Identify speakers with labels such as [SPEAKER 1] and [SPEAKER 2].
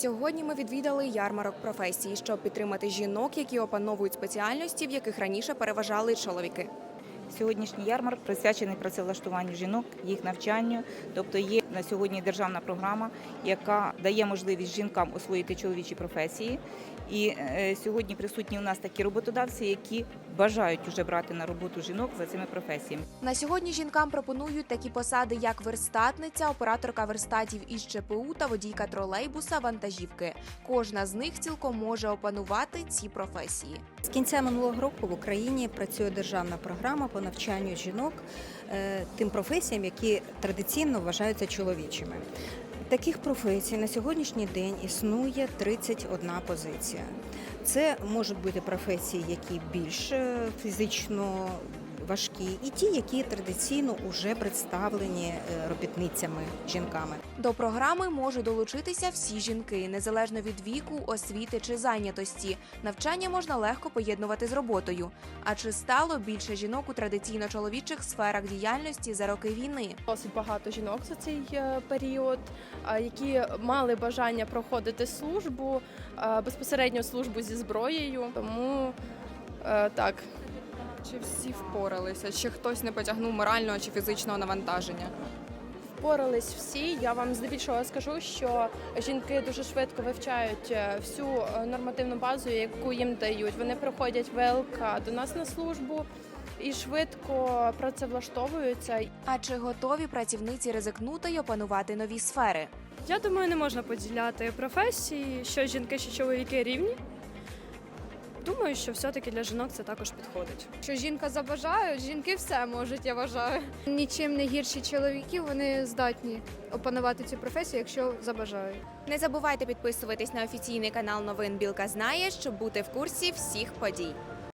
[SPEAKER 1] Сьогодні ми відвідали ярмарок професій, щоб підтримати жінок, які опановують спеціальності, в яких раніше переважали чоловіки.
[SPEAKER 2] Сьогоднішній ярмарок присвячений працевлаштуванню жінок, їх навчанню. Тобто є на сьогодні державна програма, яка дає можливість жінкам освоїти чоловічі професії. І сьогодні присутні у нас такі роботодавці, які бажають вже брати на роботу жінок за цими професіями.
[SPEAKER 1] На сьогодні жінкам пропонують такі посади, як верстатниця, операторка верстатів із ЧПУ та водійка тролейбуса, вантажівки. Кожна з них цілком може опанувати ці професії.
[SPEAKER 3] З кінця минулого року в Україні працює державна програма по навчанню жінок тим професіям, які традиційно вважаються чоловічими. Таких професій на сьогоднішній день існує 31 позиція. Це можуть бути професії, які більш фізично важкі, і ті, які традиційно вже представлені робітницями, жінками.
[SPEAKER 1] До програми можуть долучитися всі жінки, незалежно від віку, освіти чи зайнятості. Навчання можна легко поєднувати з роботою. А чи стало більше жінок у традиційно чоловічих сферах діяльності за роки війни?
[SPEAKER 4] Досить багато жінок за цей період, які мали бажання проходити службу, безпосередньо службу зі зброєю. Тому так.
[SPEAKER 1] Чи всі впоралися? Чи хтось не потягнув морального чи фізичного навантаження?
[SPEAKER 4] Впорались всі. Я вам здебільшого скажу, що жінки дуже швидко вивчають всю нормативну базу, яку їм дають. Вони приходять ВЛК до нас на службу і швидко працевлаштовуються.
[SPEAKER 1] А чи готові працівниці ризикнути й опанувати нові сфери?
[SPEAKER 5] Я думаю, не можна поділяти професії, що жінки, що чоловіки рівні. Думаю, що все-таки для жінок це також підходить.
[SPEAKER 6] Що жінка забажає, жінки все можуть, я вважаю. Нічим не гірші чоловіків, вони здатні опанувати цю професію, якщо забажають.
[SPEAKER 1] Не забувайте підписуватись на офіційний канал новин «Білка знає», щоб бути в курсі всіх подій.